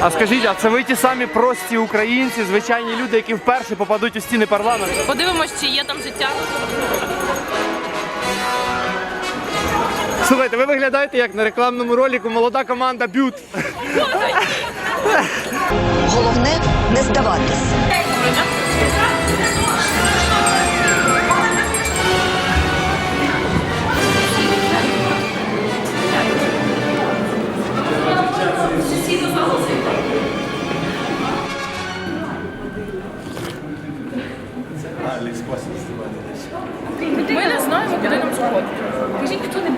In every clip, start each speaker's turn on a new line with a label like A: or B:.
A: А скажіть, а це ви ті самі прості українці, звичайні люди, які вперше попадуть у стіни парламенту?
B: Подивимось, чи є там життя.
A: Слухайте, ви виглядаєте як на рекламному ролику молода команда Бют.
C: Головне не здаватись.
B: Ми не знаємо, куди нам сходити. Кажіть, хто-небудь.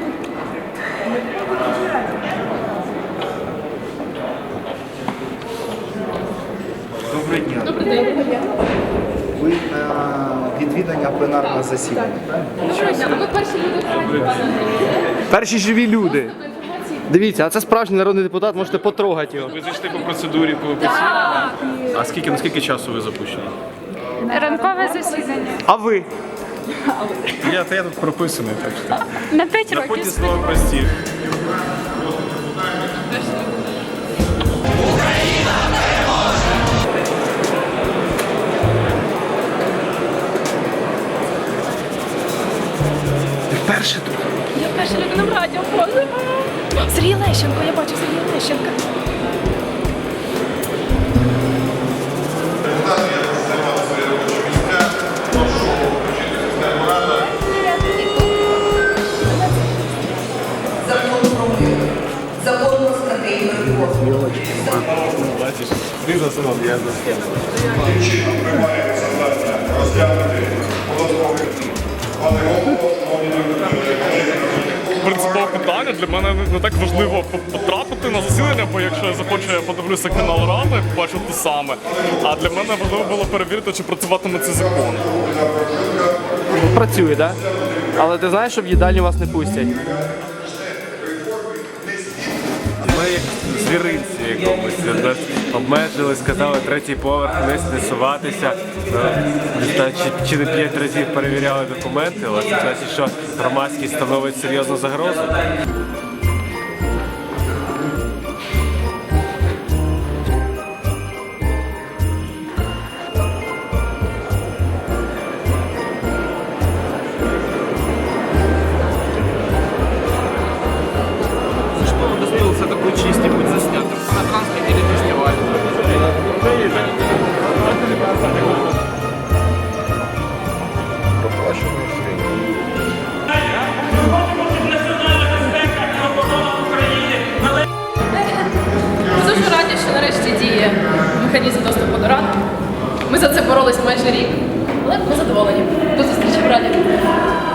D: Доброго дня.
B: Добрий день.
D: Ви на відвідання пленарного засідання.
B: Доброго дня. Ми перші люди.
A: Перші живі люди. Дивіться, а це справжній народний депутат, можете потрогати його.
E: Ви зайшли по процедурі по ОПЦ? А наскільки часу ви запущені?
F: Ранкове засідання.
A: А ви?
E: Я тут прописаний, так що.
F: На 5
E: На
F: років.
E: поті слова прості.
A: Ти вперше тут?
B: Я перша людина в радіо. Боже. Сергій Лещенко, я бачу Сергія Лещенка.
C: Закон про мир. Закон про стратегію реформ.
E: Бачиш, ти заснув, я заснув.
G: Яким чином приймається завдання розглянути податковий пане голово, шановні
E: Принципове питання для мене не так важливо потрапити на засідання, бо якщо я захочу, я подивлюся канал Ради, побачу те саме. А для мене важливо було перевірити, чи працюватиме цей закон.
A: Працює, так? Але ти знаєш, що в їдальню вас не пустять?
H: Ми як звіринці якомусь нас обмежили, сказали третій поверх вниз не суватися. Чи не 5 разів перевіряли документи, але це значить, що громадськість становить серйозну загрозу.
A: Удостоился такой чести быть заснятым на транспорте или фестивале.
B: Ми дуже раді, що нарешті діє механізм доступу до ради. Ми за це боролись майже рік, але ми задоволені. До зустрічі в раді.